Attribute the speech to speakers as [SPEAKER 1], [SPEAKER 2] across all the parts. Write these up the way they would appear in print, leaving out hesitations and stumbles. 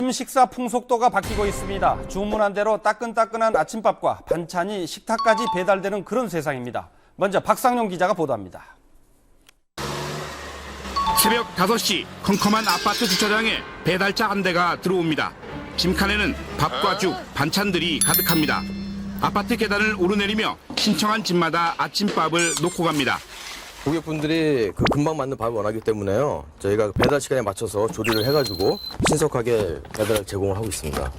[SPEAKER 1] 요즘 식사 풍속도가 바뀌고 있습니다. 주문한 대로 따끈따끈한 아침밥과 반찬이 식탁까지 배달되는 그런 세상입니다. 먼저 박상용 기자가 보도합니다.
[SPEAKER 2] 새벽 5시 컴컴한 아파트 주차장에 배달차 한 대가 들어옵니다. 짐칸에는 밥과 죽, 반찬들이 가득합니다. 아파트 계단을 오르내리며 신청한 집마다 아침밥을 놓고 갑니다.
[SPEAKER 3] 고객분들이 금방 맞는 밥을 원하기 때문에요. 저희가 배달 시간에 맞춰서 조리를 해가지고 신속하게 배달을 제공을 하고 있습니다.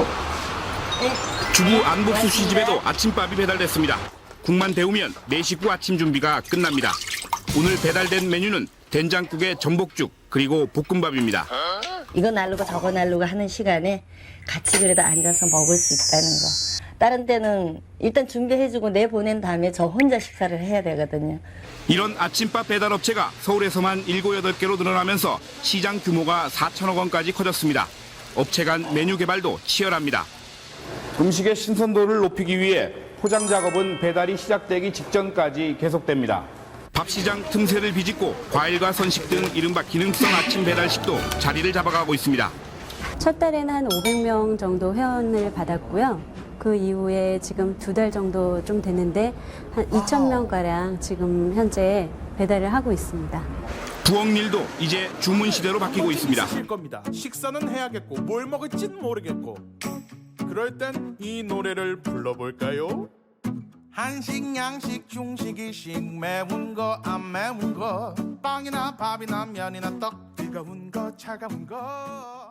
[SPEAKER 2] 주부 안복수 씨 집에도 아침밥이 배달됐습니다. 국만 데우면 내 식구 아침 준비가 끝납니다. 오늘 배달된 메뉴는 된장국에 전복죽 그리고 볶음밥입니다.
[SPEAKER 4] 이거 날르고 저거 날르고 하는 시간에 같이 그래도 앉아서 먹을 수 있다는 거. 다른 때는 일단 준비해주고 내보낸 다음에 저 혼자 식사를 해야 되거든요.
[SPEAKER 2] 이런 아침밥 배달 업체가 서울에서만 7, 8개로 늘어나면서 시장 규모가 4천억 원까지 커졌습니다. 업체 간 메뉴 개발도 치열합니다.
[SPEAKER 5] 음식의 신선도를 높이기 위해 포장 작업은 배달이 시작되기 직전까지 계속됩니다.
[SPEAKER 2] 밥 시장 틈새를 비집고 과일과 선식 등 이른바 기능성 아침 배달식도 자리를 잡아가고 있습니다.
[SPEAKER 6] 첫 달에는 한 500명 정도 회원을 받았고요. 그 이후에 지금 2달 정도 좀 됐는데 한 2,000명가량 지금 현재 배달을 하고 있습니다.
[SPEAKER 2] 부엌일도 이제 주문 시대로 바뀌고 있습니다.
[SPEAKER 7] 겁니다. 식사는 해야겠고 뭘 먹을진 모르겠고 그럴 땐 이 노래를 불러볼까요? 한식, 양식, 중식, 일식 매운 거, 안 매운 거 빵이나 밥이나 면이나 떡 뜨거운 거, 차가운 거